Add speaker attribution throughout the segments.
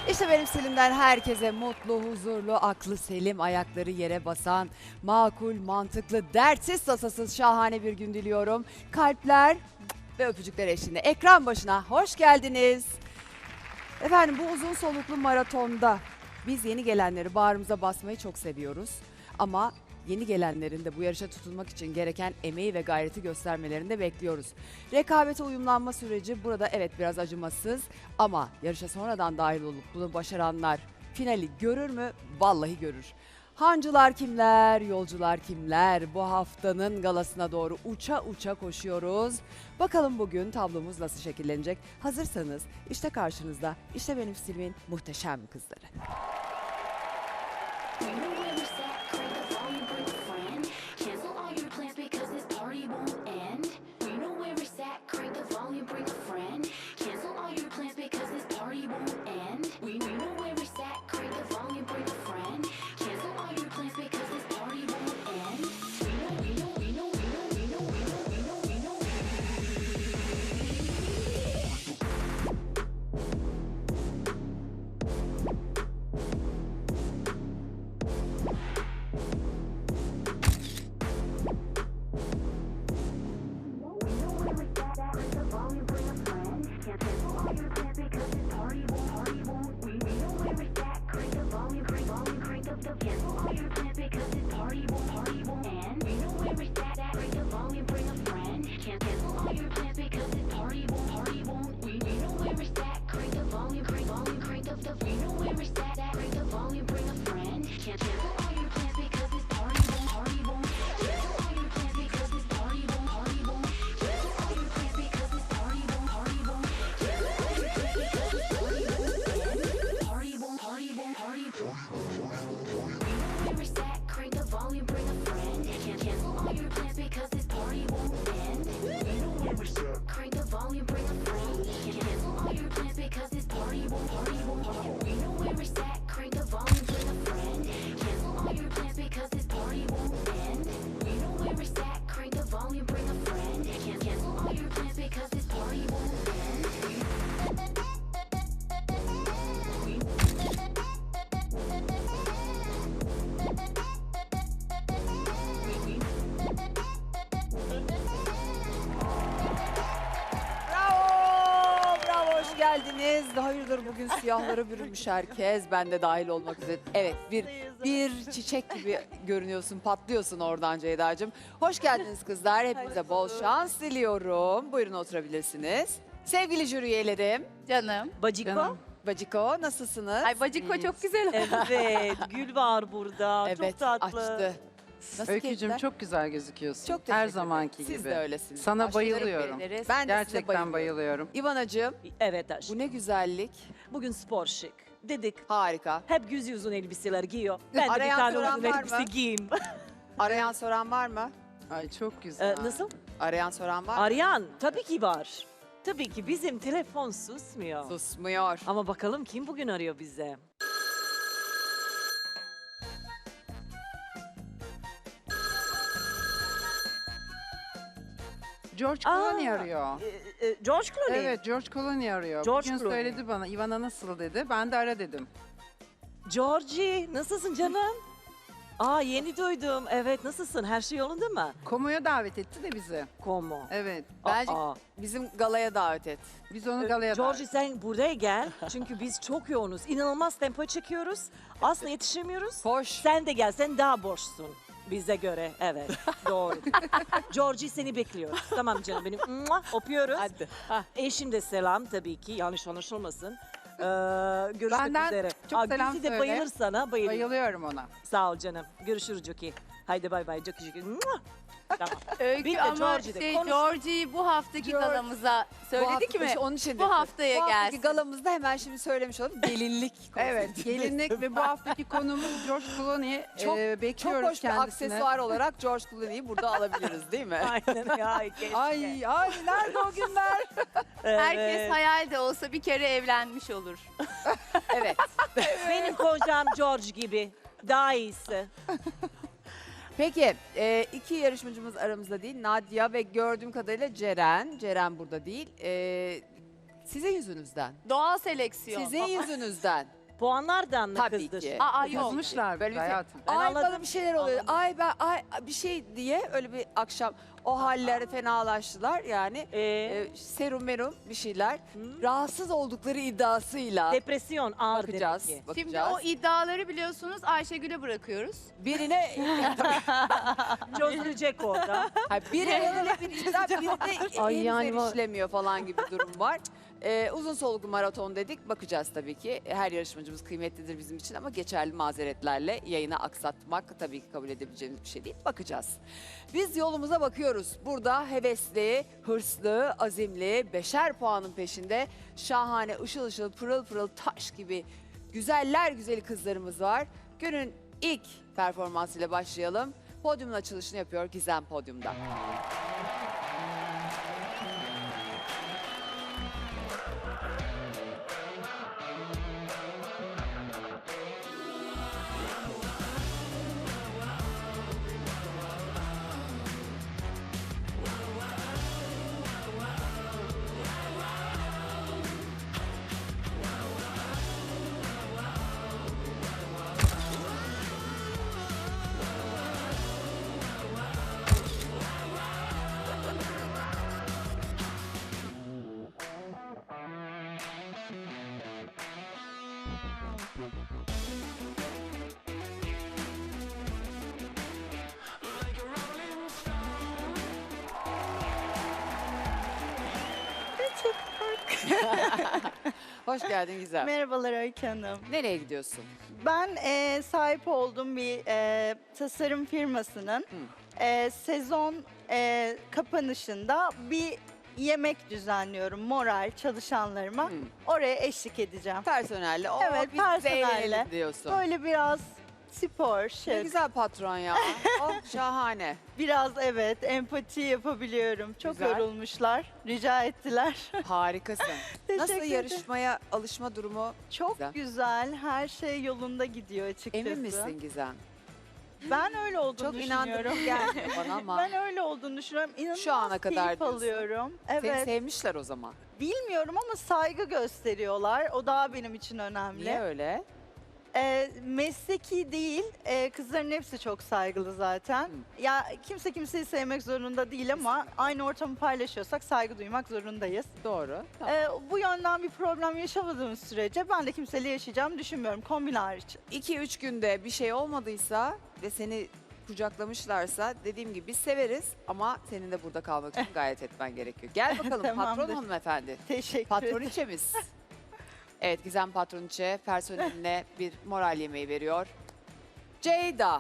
Speaker 1: İşte benim Selim'den herkese mutlu, huzurlu, aklı selim, ayakları yere basan, makul, mantıklı, dertsiz, tasasız şahane bir gün diliyorum. Kalpler ve öpücükler eşliğinde ekran başına hoş geldiniz. Efendim bu uzun soluklu maratonda biz yeni gelenleri bağrımıza basmayı çok seviyoruz. Ama yeni gelenlerin de bu yarışa tutulmak için gereken emeği ve gayreti göstermelerini de bekliyoruz. Rekabete uyumlanma süreci burada evet biraz acımasız ama yarışa sonradan dahil olup bunu başaranlar finali görür mü? Vallahi görür. Hancılar kimler, yolcular kimler? Bu haftanın galasına doğru uça uça koşuyoruz. Bakalım bugün tablomuz nasıl şekillenecek? Hazırsanız işte karşınızda, işte benim Silmin muhteşem kızları. Bravo! Bravo, hoş geldiniz. Hayırdır bugün siyahlara bürünmüş herkes. Ben de dahil olmak üzere. Evet, bir çiçek gibi görünüyorsun, patlıyorsun oradan Ceyda'cığım. Hoş geldiniz kızlar. Hepinize bol şans diliyorum. Buyurun oturabilirsiniz. Sevgili jüri üyelerim,
Speaker 2: Canım.
Speaker 3: Baciko.
Speaker 4: Canım.
Speaker 1: Baciko nasılsınız?
Speaker 2: Ay Baciko çok güzel.
Speaker 3: Evet, Gül var burada.
Speaker 1: Evet,
Speaker 3: Çok tatlı.
Speaker 1: açtı. Nasıl
Speaker 4: Öykücüğüm
Speaker 1: keyifler?
Speaker 4: çok güzel gözüküyorsun.
Speaker 1: Çok teşekkür
Speaker 4: Her
Speaker 1: ederim.
Speaker 4: zamanki
Speaker 1: Siz
Speaker 4: gibi.
Speaker 1: de öylesiniz.
Speaker 4: Sana
Speaker 1: Aşklarım
Speaker 4: bayılıyorum.
Speaker 1: beğeniriz. Ben de size
Speaker 4: Gerçekten bayılıyorum.
Speaker 1: İvanacığım,
Speaker 3: Evet aşkım.
Speaker 1: bu ne güzellik.
Speaker 3: Bugün spor şık. Dedik
Speaker 1: Harika.
Speaker 3: hep yüz uzun elbiseler giyiyor. Ben de bir
Speaker 1: Arayan
Speaker 3: tane
Speaker 1: soran
Speaker 3: uzun
Speaker 1: var
Speaker 3: elbise
Speaker 1: mı?
Speaker 3: giyeyim.
Speaker 1: Arayan soran var mı?
Speaker 4: Ay çok güzel.
Speaker 3: Nasıl?
Speaker 1: Arayan soran var mı?
Speaker 3: Arayan tabii ki var. Tabii ki bizim telefon susmuyor.
Speaker 1: Susmuyor.
Speaker 3: Ama bakalım kim bugün arıyor bize?
Speaker 4: George
Speaker 3: Aa,
Speaker 4: Clooney arıyor.
Speaker 3: George Clooney.
Speaker 4: Evet, George Clooney arıyor.
Speaker 3: George
Speaker 4: Bugün
Speaker 3: Clooney.
Speaker 4: söyledi bana, Ivana nasıl dedi. Ben de ara dedim.
Speaker 3: Georgie, nasılsın canım? Aa yeni duydum. Evet, nasılsın? Her şey yolunda mı?
Speaker 4: Komo'ya davet etti de bizi.
Speaker 3: Como?
Speaker 4: Evet.
Speaker 1: Bence
Speaker 3: Aa.
Speaker 1: bizim galaya davet et.
Speaker 4: Biz onu galaya
Speaker 3: Georgie sen buraya gel. Çünkü biz çok yoğunuz. İnanılmaz tempo çekiyoruz. Aslında yetişemiyoruz.
Speaker 1: Koş.
Speaker 3: Sen de gel. Sen daha boşsun. Bize göre. Evet. Doğru. Georgie seni bekliyoruz. Tamam canım benim. Mua, öpüyoruz.
Speaker 1: Hadi.
Speaker 3: Eşim de selam tabii ki. Yanlış anlaşılmasın. Görüşmek
Speaker 4: Benden
Speaker 3: üzere.
Speaker 4: çok selam
Speaker 3: Gülsü de
Speaker 4: söyle.
Speaker 3: bayılır sana. Bayılır.
Speaker 4: Bayılıyorum ona.
Speaker 3: Sağ ol canım. Görüşürüz Joki. Haydi bay bay Joki. Mua. Tamam.
Speaker 2: Öykü
Speaker 3: Bir de
Speaker 2: ama
Speaker 3: Georgie'de konuş-
Speaker 2: Georgie'yi bu haftaki galamıza söyledik mi?
Speaker 1: Onun için
Speaker 2: Bu haftaya
Speaker 1: bu haftaki
Speaker 2: gelsin.
Speaker 1: galamızda hemen şimdi söylemiş olalım. Gelinlik.
Speaker 4: Evet, gelinlik ve bu haftaki konumuz George Clooney.
Speaker 1: Çok-
Speaker 4: Bekliyoruz
Speaker 1: Çok hoş bir
Speaker 4: kendisini.
Speaker 1: aksesuar olarak George Clooney'i burada alabiliriz değil mi?
Speaker 3: Aynen ya. keşke.
Speaker 1: Ay nerede o günler?
Speaker 2: Herkes
Speaker 3: Evet.
Speaker 2: hayal de olsa bir kere evlenmiş olur.
Speaker 1: Evet.
Speaker 3: Benim kocam George gibi. Daha iyisi.
Speaker 1: Peki iki yarışmacımız aramızda değil. Nadia ve gördüğüm kadarıyla Ceren. Ceren burada değil. Sizin yüzünüzden.
Speaker 2: Doğal seleksiyon.
Speaker 1: Sizin yüzünüzden.
Speaker 3: Puanlardan mı
Speaker 1: Tabii
Speaker 3: kızdı?
Speaker 1: ki.
Speaker 2: Aa, yok.
Speaker 4: Yazmışlar
Speaker 1: Böyle bir şey-
Speaker 4: hayatım.
Speaker 3: Ben
Speaker 1: Ay
Speaker 3: anladım.
Speaker 1: bana bir şeyler oluyor.
Speaker 3: Anladım.
Speaker 1: Ay bir şey diye öyle bir akşam o halleri fenalaştılar yani. Serum merum bir şeyler. Rahatsız oldukları iddiasıyla
Speaker 3: Depresyon ağır
Speaker 1: bakacağız.
Speaker 3: demek ki.
Speaker 1: Bakacağız.
Speaker 2: Şimdi o iddiaları biliyorsunuz Ayşegül'e bırakıyoruz.
Speaker 1: Birine
Speaker 3: Çözülecek orada.
Speaker 1: birine bir iddia birine
Speaker 5: Ay
Speaker 1: henüz
Speaker 5: yani var.
Speaker 1: erişilemiyor falan gibi durum var. Uzun soluklu maraton dedik. Bakacağız tabii ki. Her yarışmacımız kıymetlidir bizim için ama geçerli mazeretlerle yayını aksatmak tabii ki kabul edebileceğimiz bir şey değil. Bakacağız. Biz yolumuza bakıyoruz. Burada hevesli, hırslı, azimli, 5'er puanın peşinde şahane, ışıl ışıl, pırıl pırıl taş gibi güzeller güzeli kızlarımız var. Günün ilk performansıyla başlayalım. Podyumun açılışını yapıyor Gizem podyumda. Hoş geldin Gizem.
Speaker 6: Merhabalar Öykü Hanım.
Speaker 1: Nereye gidiyorsun?
Speaker 6: Ben sahip olduğum bir tasarım firmasının sezon kapanışında bir yemek düzenliyorum moral çalışanlarıma.
Speaker 1: Hı.
Speaker 6: Oraya eşlik edeceğim.
Speaker 1: Personelle. O
Speaker 6: Evet,
Speaker 1: biz
Speaker 6: personelle.
Speaker 1: eğlenelim diyorsun.
Speaker 6: Böyle biraz spor,
Speaker 1: Ne
Speaker 6: şık,
Speaker 1: güzel patron ya. Oh şahane.
Speaker 6: biraz evet empati yapabiliyorum. Çok
Speaker 1: Güzel.
Speaker 6: yorulmuşlar, rica ettiler.
Speaker 1: Harikasın. Nasıl
Speaker 6: Teşekkür ederim.
Speaker 1: yarışmaya alışma durumu?
Speaker 6: Çok
Speaker 1: Güzel.
Speaker 6: güzel, her şey yolunda gidiyor açıkçası.
Speaker 1: Emin misin Gizem?
Speaker 6: Ben öyle olduğunu
Speaker 1: Çok
Speaker 6: düşünüyorum.
Speaker 1: inandırıcı gelmiyor bana ama.
Speaker 6: Ben öyle olduğunu düşünüyorum. İnanılmaz
Speaker 1: Şu ana kadar
Speaker 6: keyif
Speaker 1: diyorsun.
Speaker 6: alıyorum.
Speaker 1: Seni
Speaker 6: Evet.
Speaker 1: sevmişler o zaman.
Speaker 6: Bilmiyorum ama saygı gösteriyorlar. O daha benim için önemli.
Speaker 1: Niye öyle?
Speaker 6: Mesleki değil. Kızların hepsi çok saygılı zaten. Ya kimse kimseyi sevmek zorunda değil ama aynı ortamı paylaşıyorsak saygı duymak zorundayız.
Speaker 1: Doğru.
Speaker 6: Bu yönden bir problem yaşamadığımız sürece ben de kimseyle yaşayacağımı düşünmüyorum. Kombin hariç.
Speaker 1: 2-3 günde bir şey olmadıysa ve seni kucaklamışlarsa dediğim gibi biz severiz ama senin de burada kalmak için gayret etmen gerekiyor. Gel bakalım patron
Speaker 6: Tamamdır.
Speaker 1: hanımefendi.
Speaker 6: Teşekkür ederim.
Speaker 1: Patroniçemiz. Evet Gizem Patroniçe personeline bir moral yemeği veriyor. Ceyda.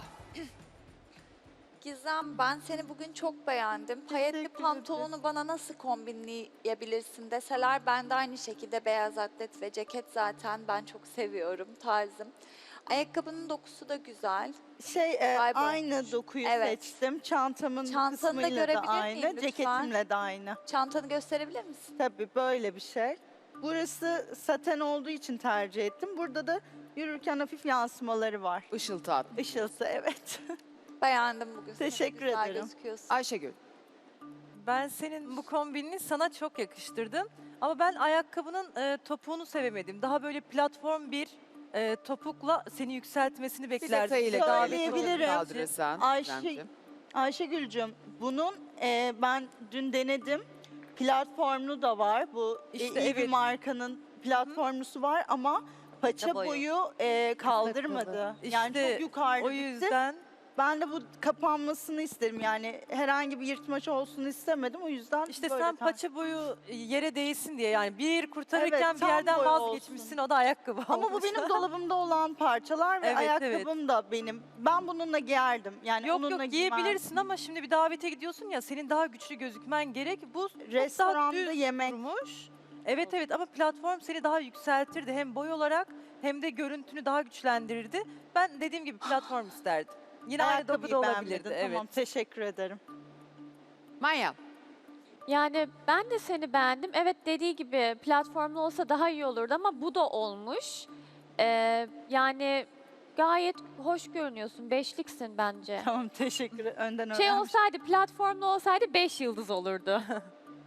Speaker 7: Gizem, ben seni bugün çok beğendim. Payetli
Speaker 6: ederim.
Speaker 7: pantolonu bana nasıl kombinleyebilirsin deseler ben de aynı şekilde beyaz atlet ve ceket zaten ben çok seviyorum tarzım. Ayakkabının dokusu da güzel.
Speaker 6: Aynı
Speaker 7: Kaybolmuş.
Speaker 6: dokuyu
Speaker 7: Evet.
Speaker 6: seçtim. Çantamın
Speaker 7: Çantanı da
Speaker 6: kısmıyla da
Speaker 7: görebilir miyim
Speaker 6: aynı,
Speaker 7: lütfen?
Speaker 6: ceketimle de aynı.
Speaker 7: Çantanı gösterebilir misin?
Speaker 6: Tabii böyle bir şey. Burası saten olduğu için tercih ettim. Burada da yürürken hafif yansımaları var.
Speaker 1: Işıltı at.
Speaker 6: Işıltı evet.
Speaker 7: Beğendim bugün. seni,
Speaker 6: Teşekkür
Speaker 7: güzel
Speaker 6: ederim.
Speaker 7: gözüküyorsun.
Speaker 1: Ayşegül.
Speaker 5: Ben senin bu kombinini sana çok yakıştırdım. Ama ben ayakkabının topuğunu sevemedim. Daha böyle platform bir topukla seni yükseltmesini beklerdim.
Speaker 1: Detayıyla
Speaker 6: Şöyle
Speaker 1: gayet
Speaker 6: söyleyebilirim.
Speaker 1: kaldırırsan.
Speaker 6: Ayşe-
Speaker 1: Gizemciğim.
Speaker 6: Ayşegül'cüm bunun ben dün denedim. Platformlu da var. Bu
Speaker 5: İşte
Speaker 6: iyi bir
Speaker 5: evet.
Speaker 6: markanın platformlusu var ama paça
Speaker 7: boyu.
Speaker 6: boyu kaldırmadı. Yani
Speaker 5: İşte
Speaker 6: çok yukarıda
Speaker 5: O
Speaker 6: bitti.
Speaker 5: yüzden
Speaker 6: Ben de bu kapanmasını isterim yani herhangi bir yırtmaç olsun istemedim o yüzden
Speaker 5: işte
Speaker 6: böyle
Speaker 5: sen paça boyu yere değsin diye yani bir kurtarırken
Speaker 6: Evet,
Speaker 5: bir
Speaker 6: tam
Speaker 5: yerden
Speaker 6: boy
Speaker 5: vazgeçmişsin o da ayakkabı
Speaker 6: Ama bu
Speaker 5: olmuş.
Speaker 6: benim dolabımda olan parçalar ve
Speaker 5: Evet,
Speaker 6: ayakkabım da benim. Ben bununla giyerdim. Yani
Speaker 5: Yok
Speaker 6: onunla
Speaker 5: yok
Speaker 6: giymem.
Speaker 5: giyebilirsin ama şimdi bir davete gidiyorsun ya senin daha güçlü gözükmen gerek. Bu çok daha
Speaker 6: Restoranda
Speaker 5: düz
Speaker 6: yemek.
Speaker 5: durmuş. Evet evet ama platform seni daha yükseltirdi hem boy olarak hem de görüntünü daha güçlendirirdi. Ben dediğim gibi platform isterdim. Yine aynı
Speaker 6: Ayakkabıyı
Speaker 5: dokuda olabilirdi.
Speaker 6: beğenmedin.
Speaker 5: Evet.
Speaker 6: Tamam teşekkür ederim.
Speaker 1: Maya.
Speaker 8: Yani ben de seni beğendim. Evet dediği gibi platformlu olsa daha iyi olurdu ama bu da olmuş. Yani gayet hoş görünüyorsun. Beşliksin bence.
Speaker 6: Tamam teşekkür ederim. Önden
Speaker 8: Şey
Speaker 6: öğrenmiş.
Speaker 8: olsaydı platformlu olsaydı 5 yıldız olurdu.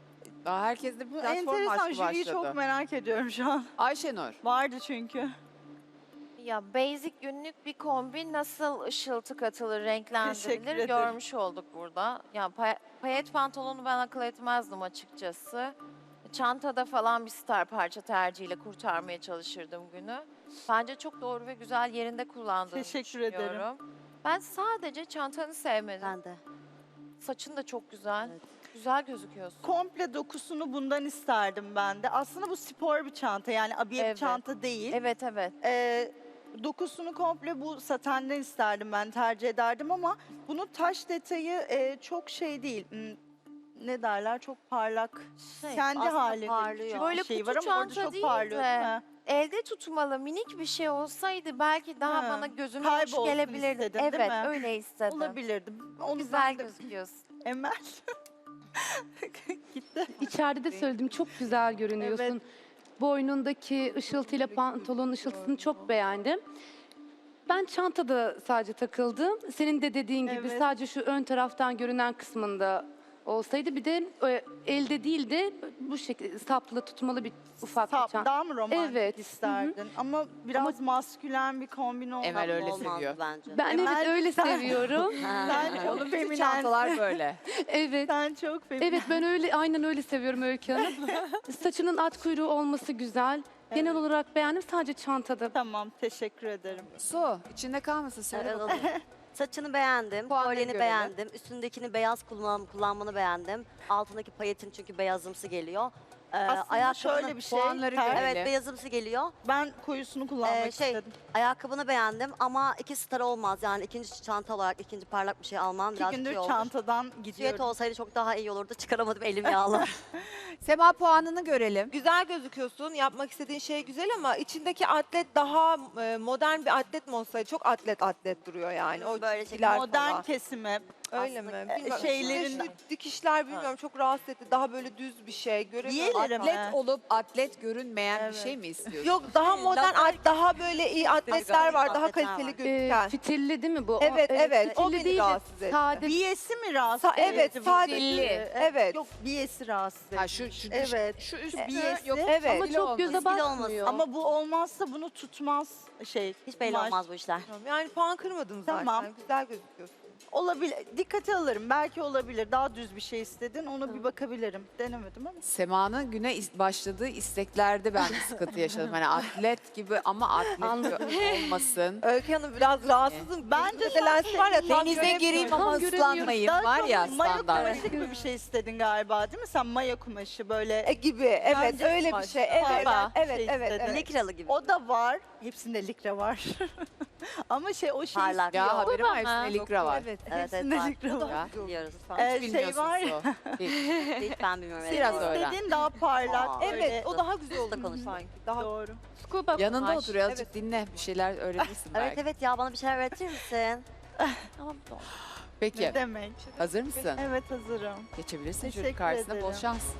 Speaker 1: Aa, herkes de bir
Speaker 6: Bu
Speaker 1: platform
Speaker 6: enteresan,
Speaker 1: aşkı
Speaker 6: jüriyi
Speaker 1: başladı.
Speaker 6: çok merak ediyorum şu an.
Speaker 1: Ayşenur.
Speaker 6: Vardı çünkü.
Speaker 9: Ya basic günlük bir kombin nasıl ışıltı katılır,
Speaker 6: Teşekkür
Speaker 9: renklendirilir
Speaker 6: ederim.
Speaker 9: görmüş olduk burada. Ya payet pantolonu ben akıl etmezdim açıkçası. Çantada falan bir star parça tercihiyle kurtarmaya çalışırdım günü. Bence çok doğru ve güzel yerinde kullandığını
Speaker 6: Teşekkür ederim.
Speaker 9: düşünüyorum. Ben sadece çantanı sevmedim.
Speaker 10: Ben de.
Speaker 9: Saçın da çok güzel.
Speaker 10: Evet.
Speaker 9: Güzel gözüküyorsun.
Speaker 6: Komple dokusunu bundan isterdim ben de. Aslında bu spor bir çanta, yani abiye bir
Speaker 9: Evet.
Speaker 6: çanta değil.
Speaker 9: Evet evet.
Speaker 6: Dokusunu komple bu satenden isterdim, ben tercih ederdim ama bunun taş detayı çok şey değil. Ne derler, çok parlak. Kendi
Speaker 10: aslında
Speaker 6: halinde
Speaker 10: parlıyor.
Speaker 6: küçük
Speaker 9: Böyle
Speaker 6: bir şey
Speaker 9: kutu
Speaker 6: var ama orada
Speaker 9: çanta
Speaker 6: çok
Speaker 9: değil
Speaker 6: parlıyor
Speaker 9: de
Speaker 6: değil mi?
Speaker 9: Elde tutmalı minik bir şey olsaydı belki daha
Speaker 6: Ha,
Speaker 9: bana gözüme hoş
Speaker 6: kaybolsun
Speaker 9: gelebilirdi.
Speaker 6: istedin, değil
Speaker 9: Evet
Speaker 6: mi?
Speaker 9: öyle istedim.
Speaker 6: Olabilirdi. Onu
Speaker 9: Güzel
Speaker 6: ben de-
Speaker 9: gözüküyorsun.
Speaker 6: Emel. Gitti.
Speaker 4: İçeride de söyledim, çok güzel görünüyorsun.
Speaker 6: Evet.
Speaker 4: Boynundaki ışıltıyla pantolonun ışıltısını çok beğendim. Ben çantada sadece takıldım. Senin de dediğin gibi
Speaker 6: Evet.
Speaker 4: sadece şu ön taraftan görünen kısmında olsaydı, bir de elde değil de bu şekilde saplı tutmalı bir ufak bir çanta.
Speaker 6: Daha mı romantik
Speaker 4: Evet, hı hı.
Speaker 6: isterdin? Ama biraz maskülen bir kombin olmalı.
Speaker 1: Emel öyle
Speaker 10: Olmazdı
Speaker 1: seviyor.
Speaker 10: bence.
Speaker 4: Ben
Speaker 6: Emel,
Speaker 4: evet öyle
Speaker 6: sen-
Speaker 4: seviyorum.
Speaker 6: Sen çok
Speaker 1: Bütün
Speaker 6: feminen.
Speaker 1: çantalar böyle.
Speaker 4: Evet.
Speaker 6: Sen çok feminen.
Speaker 4: Evet, ben öyle, aynen öyle seviyorum Öykü Hanım. Saçının at kuyruğu olması güzel. Genel olarak beğendim, sadece çantada.
Speaker 6: Tamam, teşekkür ederim.
Speaker 1: Su, içinde kalmasın. Söyle
Speaker 10: Evet,
Speaker 1: bakalım.
Speaker 10: olur. Saçını beğendim,
Speaker 1: Puanları
Speaker 10: kolyeni
Speaker 1: görelim.
Speaker 10: beğendim, üstündekini beyaz kullanmanı beğendim. Altındaki payetin çünkü beyazımsı geliyor.
Speaker 6: Aslında şöyle bir şey.
Speaker 1: Puanları
Speaker 6: ter-
Speaker 1: görelim.
Speaker 10: Evet, beyazımsı geliyor.
Speaker 6: Ben koyusunu kullanmak
Speaker 10: Şey,
Speaker 6: istedim.
Speaker 10: ayakkabını beğendim ama 2 star olmaz. Yani ikinci çanta olarak ikinci parlak bir şey almam
Speaker 6: 2
Speaker 10: biraz
Speaker 6: gündür
Speaker 10: şey olur.
Speaker 6: çantadan
Speaker 10: Süet
Speaker 6: gidiyorum.
Speaker 10: olsaydı çok daha iyi olurdu. Çıkaramadım, elim yağlı.
Speaker 1: Sema puanını görelim.
Speaker 11: Güzel gözüküyorsun. Yapmak istediğin şey güzel ama içindeki atlet daha modern bir atlet mi olsaydı? Çok atlet duruyor yani. O
Speaker 10: Böyle
Speaker 11: çizgiler
Speaker 6: Modern
Speaker 11: falan.
Speaker 10: Aslında,
Speaker 6: kesimi.
Speaker 11: Öyle mi? Bilmiyorum.
Speaker 6: şeylerin-
Speaker 11: Şu dikişler bilmiyorum çok rahatsız etti. Daha böyle düz bir şey. Göremiyorum.
Speaker 6: Giyelim.
Speaker 1: Atlet olup atlet görünmeyen
Speaker 6: Evet.
Speaker 1: bir şey mi istiyorsun?
Speaker 11: Yok daha modern, daha böyle iyi atletler var. Daha
Speaker 10: atletler
Speaker 11: kaliteli
Speaker 10: var.
Speaker 11: gözüken.
Speaker 4: Fitilli değil mi bu?
Speaker 11: Evet, evet. O
Speaker 4: Fitilli
Speaker 11: beni
Speaker 4: değil de
Speaker 11: rahatsız etti.
Speaker 4: sade.
Speaker 6: Biyesi mi rahatsız
Speaker 11: Evet,
Speaker 6: edici?
Speaker 11: sade.
Speaker 1: Fitilli.
Speaker 11: Evet.
Speaker 6: Yok, biyesi rahatsız edici.
Speaker 1: Ha şu
Speaker 6: Evet.
Speaker 1: şu üst
Speaker 6: Biyesi.
Speaker 1: yok.
Speaker 11: Evet.
Speaker 4: Ama çok göze
Speaker 10: Fitil
Speaker 4: batmıyor.
Speaker 6: Ama bu olmazsa bunu tutmaz şey.
Speaker 10: Hiç belli
Speaker 6: kumaş.
Speaker 10: olmaz bu işler.
Speaker 11: Yani puan kırmadım zaten.
Speaker 6: Tamam.
Speaker 11: Güzel gözüküyorsun.
Speaker 6: Olabilir. Dikkate alırım. Belki olabilir. Daha düz bir şey istedin. Ona bir bakabilirim. Denemedim ama.
Speaker 1: Sema'nın güne başladığı isteklerde ben bir sıkıntı yaşadım. Hani atlet gibi ama atlet olmasın.
Speaker 11: Öykü Hanım biraz rahatsızım.
Speaker 6: Bence
Speaker 11: Gözümde lens var ya tam
Speaker 1: Denize
Speaker 11: göremiyorum.
Speaker 1: gireyim ama
Speaker 4: Tam göremiyorum.
Speaker 1: ıslanmayayım
Speaker 6: Daha
Speaker 1: var
Speaker 6: çok
Speaker 1: ya
Speaker 6: maya
Speaker 1: standart.
Speaker 6: kumaşı gibi bir şey istedin galiba, değil mi? Sen maya kumaşı böyle.
Speaker 11: Gibi evet
Speaker 6: Bence
Speaker 11: öyle bir şey. Evet
Speaker 6: Galiba
Speaker 11: evet
Speaker 6: şey
Speaker 11: evet.
Speaker 6: istedin.
Speaker 11: evet.
Speaker 10: Likralı gibi.
Speaker 6: O da var. Hepsinde likra var. Ama şey o şey
Speaker 10: Parlak.
Speaker 1: Ya haberim var
Speaker 8: Ama.
Speaker 1: hepsinde likra var.
Speaker 11: Evet.
Speaker 10: Evet,
Speaker 6: hepsinde
Speaker 10: var.
Speaker 6: likra var.
Speaker 1: Ya.
Speaker 10: Biliyoruz.
Speaker 1: Hiç
Speaker 6: Şey
Speaker 1: bilmiyorsun
Speaker 6: var
Speaker 1: Su. Hiç.
Speaker 10: Hiç ben bilmiyorum. evet.
Speaker 1: Biraz öğren.
Speaker 6: İstediğin daha parlak.
Speaker 10: Aa,
Speaker 6: böyle.
Speaker 11: Evet o daha güzel oldu
Speaker 10: konuş.
Speaker 11: sanki. Daha
Speaker 6: Doğru.
Speaker 8: Scuba
Speaker 1: Yanında
Speaker 8: kumaş.
Speaker 1: otur azıcık dinle. Bir şeyler öğrenirsin
Speaker 10: Evet
Speaker 1: belki.
Speaker 10: evet ya, bana bir şeyler öğretir misin?
Speaker 8: Tamam, doğru.
Speaker 1: Peki
Speaker 6: Ne demek?
Speaker 1: hazır mısın?
Speaker 6: Evet, hazırım.
Speaker 1: Geçebilirsin jüri
Speaker 6: Teşekkür
Speaker 1: karşısına bol
Speaker 6: ederim.
Speaker 1: şans.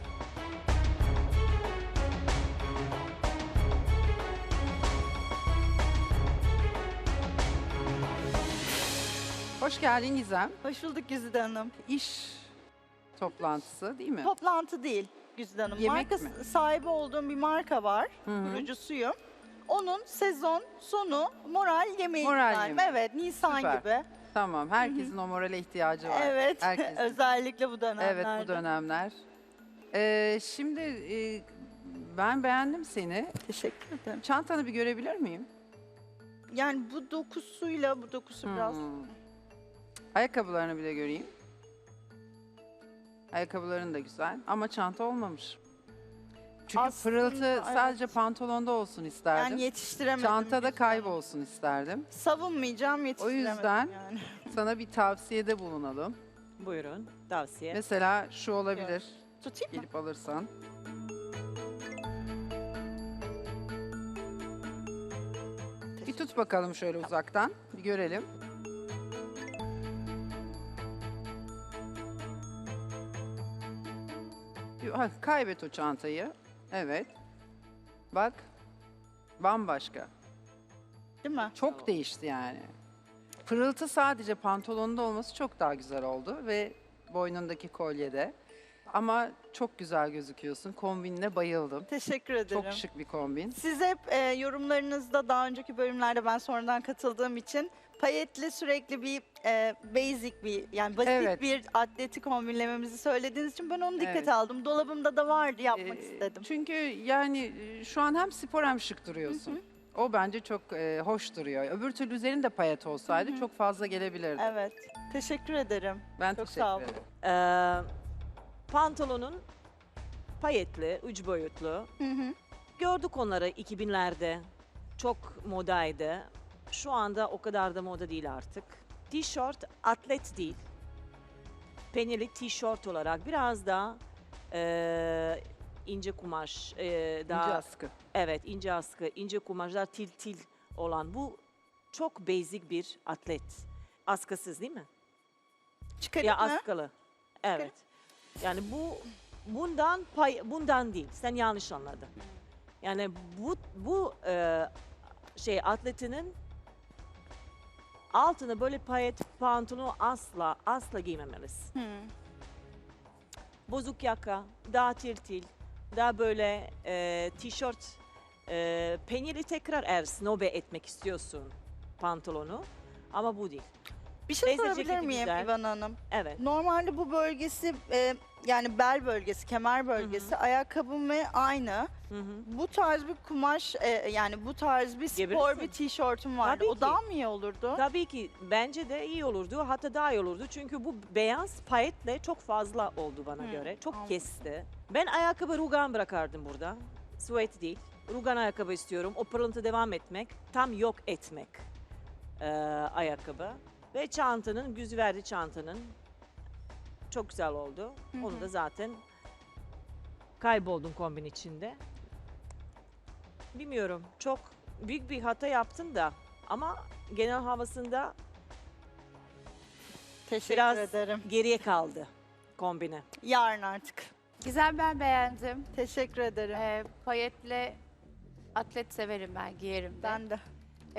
Speaker 12: Hoş geldin Gizem.
Speaker 6: Hoş bulduk Güzide Hanım.
Speaker 12: İş toplantısı değil mi?
Speaker 6: Toplantı değil Güzide Hanım.
Speaker 12: Yemek
Speaker 6: marka
Speaker 12: mi?
Speaker 6: sahibi olduğum bir marka var.
Speaker 12: Hı hı.
Speaker 6: Kurucusuyum. Onun sezon sonu moral yemeği.
Speaker 12: Moral
Speaker 6: yani.
Speaker 12: yemeği.
Speaker 6: Evet, Nisan
Speaker 12: Süper.
Speaker 6: gibi.
Speaker 12: Tamam, herkesin o morale ihtiyacı var.
Speaker 6: Evet,
Speaker 12: Herkesin.
Speaker 6: özellikle bu dönemlerde.
Speaker 12: Evet, bu dönemler. Şimdi ben beğendim seni.
Speaker 6: Teşekkür ederim.
Speaker 12: Çantanı bir görebilir miyim?
Speaker 6: Yani bu dokusuyla bu dokusu biraz...
Speaker 12: Hmm. Ayakkabılarını bir de göreyim. Ayakkabıların da güzel ama çanta olmamış. Çünkü
Speaker 6: Aslında,
Speaker 12: pırıltı
Speaker 6: evet.
Speaker 12: sadece pantolonda olsun isterdim.
Speaker 6: Yani yetiştiremedim.
Speaker 12: Çantada
Speaker 6: Güzide Hanım.
Speaker 12: kaybolsun isterdim.
Speaker 6: Savunmayacağım, yetiştiremedim
Speaker 12: yüzden-
Speaker 6: yani.
Speaker 12: Sana bir tavsiyede bulunalım.
Speaker 3: Buyurun tavsiye.
Speaker 12: Mesela şu olabilir.
Speaker 6: Tutayım mı?
Speaker 12: Gelip alırsan. Bir tut bakalım şöyle uzaktan. Bir görelim. Kaybet o çantayı. Evet. Bak. Bambaşka.
Speaker 6: Değil mi?
Speaker 12: Çok değişti yani. Pırıltı sadece pantolonunda olması çok daha güzel oldu ve boynundaki kolyede. Ama çok güzel gözüküyorsun. Kombinine bayıldım.
Speaker 6: Teşekkür ederim.
Speaker 12: Çok şık bir kombin.
Speaker 6: Siz hep yorumlarınızda daha önceki bölümlerde ben sonradan katıldığım için payetli sürekli bir basic bir yani basit
Speaker 12: Evet.
Speaker 6: bir atleti kombinlememizi söylediğiniz için ben onu dikkate
Speaker 12: Evet.
Speaker 6: aldım. Dolabımda da vardı yapmak
Speaker 12: Ee,
Speaker 6: istedim.
Speaker 12: Çünkü yani şu an hem spor hem şık duruyorsun. O bence çok hoş duruyor. Öbür türlü üzerinde payet olsaydı çok fazla gelebilirdi.
Speaker 6: Evet. Teşekkür ederim.
Speaker 12: Ben
Speaker 6: çok
Speaker 12: teşekkür
Speaker 6: sağ olun.
Speaker 12: ederim.
Speaker 3: Pantolonun payetli, üç boyutlu. Gördük onları 2000'lerde. Çok modaydı. Şu anda o kadar da moda değil artık. Tişört atlet değil. Penili tişört olarak biraz daha ince kumaş, daha
Speaker 12: İnce askı.
Speaker 3: evet ince askı, ince kumaşlar til olan bu çok basic bir atlet. Askısız değil mi?
Speaker 6: Çıkarayım
Speaker 3: Ya
Speaker 6: mı?
Speaker 3: askılı. Evet. Yani bundan değil. Sen yanlış anladın. Yani bu şey atletinin altına böyle payet pantolonu asla giymemelisin. Bozuk yaka, daha til, daha böyle tişört, penili tekrar eğer snobe etmek istiyorsun pantolonu ama bu değil.
Speaker 6: Bir şey
Speaker 3: Neyse,
Speaker 6: sorabilir
Speaker 3: ceketi
Speaker 6: miyim
Speaker 3: güzel.
Speaker 6: İvan Hanım?
Speaker 3: Evet.
Speaker 6: Normalde bu bölgesi yani bel bölgesi, kemer bölgesi, ayakkabım ve aynı.
Speaker 3: Hı hı.
Speaker 6: Bu tarz bir kumaş yani bu tarz bir spor
Speaker 3: Giyebilirsin.
Speaker 6: bir tişörtüm vardı.
Speaker 3: Tabii
Speaker 6: O
Speaker 3: ki.
Speaker 6: daha mı iyi olurdu?
Speaker 3: Tabii ki bence de iyi olurdu. Hatta daha iyi olurdu. Çünkü bu beyaz payetle çok fazla oldu bana göre. Çok
Speaker 6: anladım.
Speaker 3: kesti. Ben ayakkabı rugan bırakardım burada. Sweat değil. Rugan ayakkabı istiyorum. O pırıltı devam etmek. Tam yok etmek ayakkabı. Ve çantanın, yüz verdi çantanın. Çok güzel oldu. Onu da zaten kayboldum kombin içinde. Bilmiyorum. Çok büyük bir hata yaptın da. Ama genel havasında
Speaker 6: Teşekkür
Speaker 3: biraz
Speaker 6: ederim.
Speaker 3: geriye kaldı kombine.
Speaker 6: Yarın artık.
Speaker 2: Gizem ben beğendim.
Speaker 6: Teşekkür ederim.
Speaker 2: Payetle atlet severim ben, giyerim de.
Speaker 6: Ben de.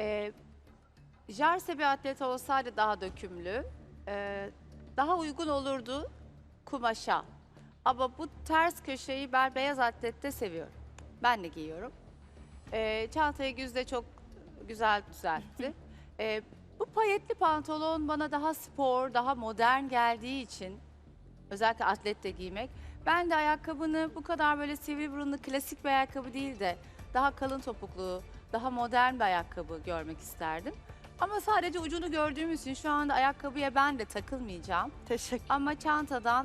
Speaker 2: Jarse bir atlet olsaydı daha dökümlü, daha uygun olurdu kumaşa. Ama bu ters köşeyi ben beyaz atlette seviyorum. Ben de giyiyorum. Çantayı Güzde çok güzel düzeltti. Bu payetli pantolon bana daha spor, daha modern geldiği için özellikle atlette giymek. Ben de ayakkabını bu kadar böyle sivri burunlu klasik bir ayakkabı değil de daha kalın topuklu, daha modern bir ayakkabı görmek isterdim. Ama sadece ucunu gördüğüm için şu anda ayakkabıya ben de takılmayacağım.
Speaker 6: Teşekkür.
Speaker 2: Ama çantadan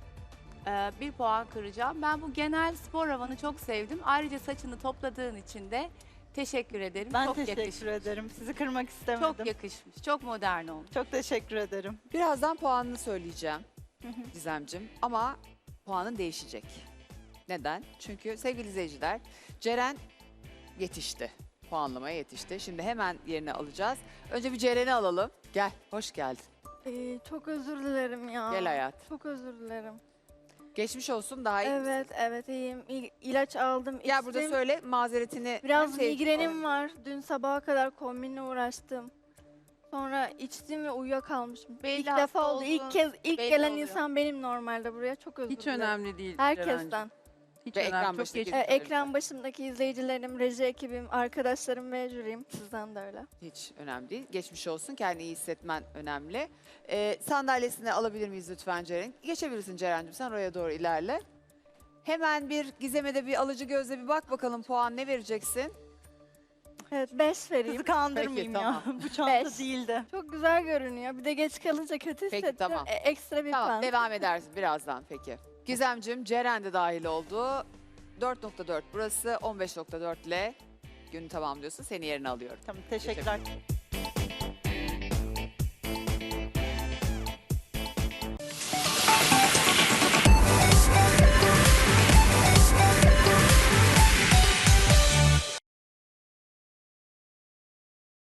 Speaker 2: 1 puan kıracağım. Ben bu genel spor havanı çok sevdim. Ayrıca saçını topladığın için de teşekkür ederim.
Speaker 6: Ben
Speaker 2: çok
Speaker 6: teşekkür
Speaker 2: yakışmış.
Speaker 6: ederim. Sizi kırmak istemedim.
Speaker 2: Çok yakışmış. Çok modern olmuş.
Speaker 6: Çok teşekkür ederim.
Speaker 1: Birazdan puanını söyleyeceğim Gizemcim ama puanın değişecek. Neden? Çünkü sevgili izleyiciler Ceren yetişti. Puanlamaya yetişti. Şimdi hemen yerine alacağız. Önce bir Ceren'i alalım. Gel, hoş geldin.
Speaker 13: Çok özür dilerim ya.
Speaker 1: Gel hayat.
Speaker 13: Çok özür dilerim.
Speaker 1: Geçmiş olsun, daha iyi misin?
Speaker 13: Evet iyiyim. İlaç aldım.
Speaker 1: Gel burada
Speaker 13: içtim.
Speaker 1: söyle mazeretini.
Speaker 13: Biraz
Speaker 1: en sevdiğin
Speaker 13: migrenim var. Dün sabaha kadar kombinle uğraştım. Sonra içtim ve uyuyakalmışım.
Speaker 2: Belli
Speaker 13: İlk
Speaker 2: hasta
Speaker 13: defa oldu.
Speaker 2: olduğun
Speaker 13: İlk
Speaker 2: belli
Speaker 13: gelen
Speaker 2: oluyor.
Speaker 13: insan benim normalde buraya. Çok özür
Speaker 12: Hiç
Speaker 13: dilerim.
Speaker 12: önemli değil.
Speaker 13: Herkesten.
Speaker 12: Ceren'cim. Hiç
Speaker 1: Ve
Speaker 12: önemli.
Speaker 1: ekran
Speaker 12: Çok
Speaker 1: başındaki-
Speaker 12: geçmiş olsun.
Speaker 13: Ekran başındaki izleyicilerim, reji ekibim, arkadaşlarım ve jürim. Sizden de öyle.
Speaker 1: Hiç önemli değil. Geçmiş olsun. Kendini iyi hissetmen önemli. Sandalyesini alabilir miyiz lütfen Ceren? Geçebilirsin Ceren'cim. Sen oraya doğru ilerle. Hemen bir Gizem'e de bir alıcı gözle bir bak bakalım puan ne vereceksin?
Speaker 13: Evet 5 vereyim.
Speaker 6: Sizi kandırmayayım
Speaker 1: Peki,
Speaker 6: ya. Bu çanta
Speaker 13: Beş.
Speaker 6: değildi.
Speaker 13: Çok güzel görünüyor. Bir de geç kalınca kötü
Speaker 1: Peki,
Speaker 13: hissettim.
Speaker 1: tamam.
Speaker 13: Ekstra bir
Speaker 1: Tamam
Speaker 13: puan.
Speaker 1: devam edersin birazdan peki. Gizem'cim Ceren de dahil oldu. 4.4 burası 15.4 ile günü tamamlıyorsun. Seni yerine alıyorum.
Speaker 6: Tamam teşekkürler.